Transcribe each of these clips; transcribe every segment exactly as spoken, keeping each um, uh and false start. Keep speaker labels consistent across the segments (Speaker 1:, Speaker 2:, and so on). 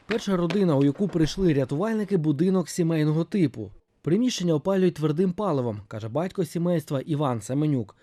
Speaker 1: Перша родина, у яку прийшли рятувальники, будинок сімейного типу. Приміщення опалюють твердим паливом, каже батько сімейства Іван Семенюк.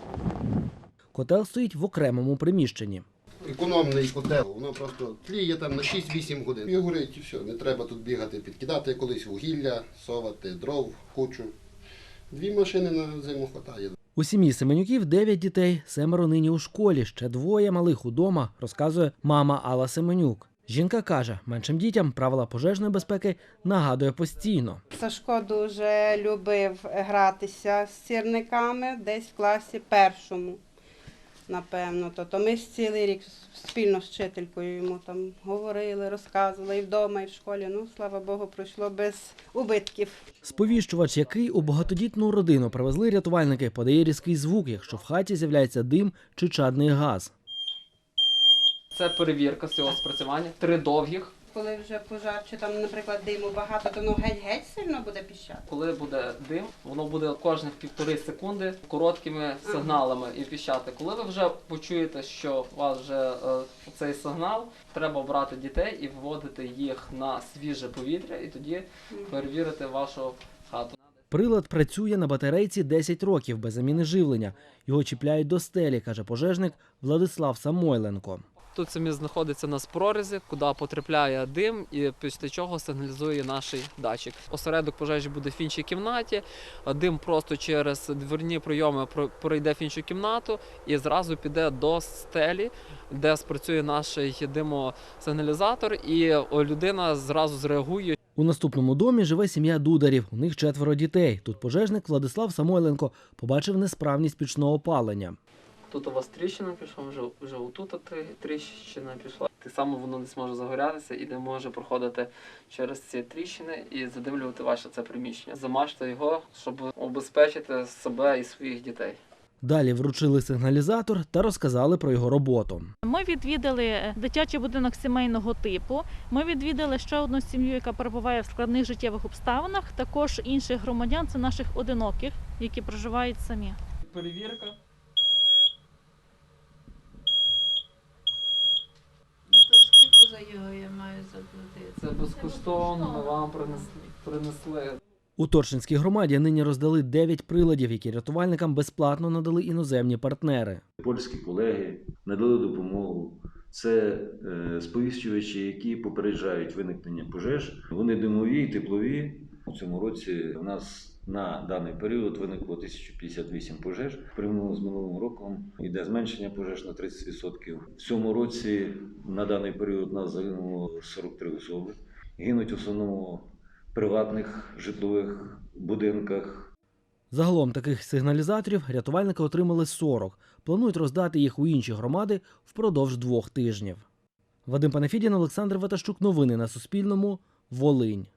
Speaker 1: Котел стоїть в окремому приміщенні.
Speaker 2: Економний котел, воно просто тліє там на шість-вісім годин. І горить, і все. Не треба тут бігати, підкидати колись вугілля, совати, дров, кучу. Дві машини на зиму вистачає.
Speaker 1: У сім'ї Семенюків дев'ять дітей, семеро нині у школі, ще двоє малих удома, розказує мама Алла Семенюк. Жінка каже, меншим дітям правила пожежної безпеки нагадує постійно.
Speaker 3: Сашко дуже любив гратися з сірниками десь в класі першому, напевно. Тобто ми ж цілий рік спільно з вчителькою йому там говорили, розказували і вдома, і в школі. Ну, слава Богу, пройшло без убитків.
Speaker 1: Сповіщувач, який у багатодітну родину привезли рятувальники, подає різкий звук, якщо в хаті з'являється дим чи чадний газ.
Speaker 4: Це перевірка цього спрацювання. Три довгих.
Speaker 3: Коли вже пожар, чи там, наприклад, диму багато, то воно геть-геть сильно буде піщати.
Speaker 4: Коли буде дим, воно буде кожних півтори секунди короткими сигналами і піщати. Коли ви вже почуєте, що у вас вже е, цей сигнал, треба брати дітей і виводити їх на свіже повітря, і тоді перевірити вашу хату.
Speaker 1: Прилад працює на батарейці десять років без заміни живлення. Його чіпляють до стелі, каже пожежник Владислав Самойленко.
Speaker 4: Тут самі знаходиться у нас прорізи, куди потрапляє дим і після чого сигналізує наш датчик. Осередок пожежі буде в іншій кімнаті, дим просто через дверні прийоми пройде в іншу кімнату і зразу піде до стелі, де спрацює наш димосигналізатор, і людина зразу зреагує.
Speaker 1: У наступному домі живе сім'я Дударів, у них четверо дітей. Тут пожежник Владислав Самойленко побачив несправність пічного опалення.
Speaker 4: Тут у вас тріщина пішла, вже, вже отут тріщина пішла. Так само воно не зможе загорятися і не може проходити через ці тріщини і задимлювати ваше це приміщення. Замажте його, щоб обезпечити себе і своїх дітей.
Speaker 1: Далі вручили сигналізатор та розказали про його роботу.
Speaker 5: Ми відвідали дитячий будинок сімейного типу. Ми відвідали ще одну сім'ю, яка перебуває в складних життєвих обставинах. Також інших громадян – це наших одиноких, які проживають самі.
Speaker 4: Перевірка.
Speaker 6: За його я маю заплатити.
Speaker 4: Це безкоштовно, ми вам принесли. принесли.
Speaker 1: У Торшинській громаді нині роздали дев'ять приладів, які рятувальникам безплатно надали іноземні партнери.
Speaker 7: Польські колеги надали допомогу. Це е, сповіщувачі, які попереджають виникнення пожеж. Вони димові і теплові. У цьому році у нас на даний період виникло тисяча п'ятдесят вісім пожеж. Порівняно з минулим роком йде зменшення пожеж на тридцять відсотків. В цьому році на даний період у нас загинуло сорок три особи. Гинуть в основному в приватних житлових будинках.
Speaker 1: Загалом таких сигналізаторів рятувальники отримали сорок. Планують роздати їх у інші громади впродовж двох тижнів. Вадим Панафідін, Олександр Ватащук. Новини на Суспільному. Волинь.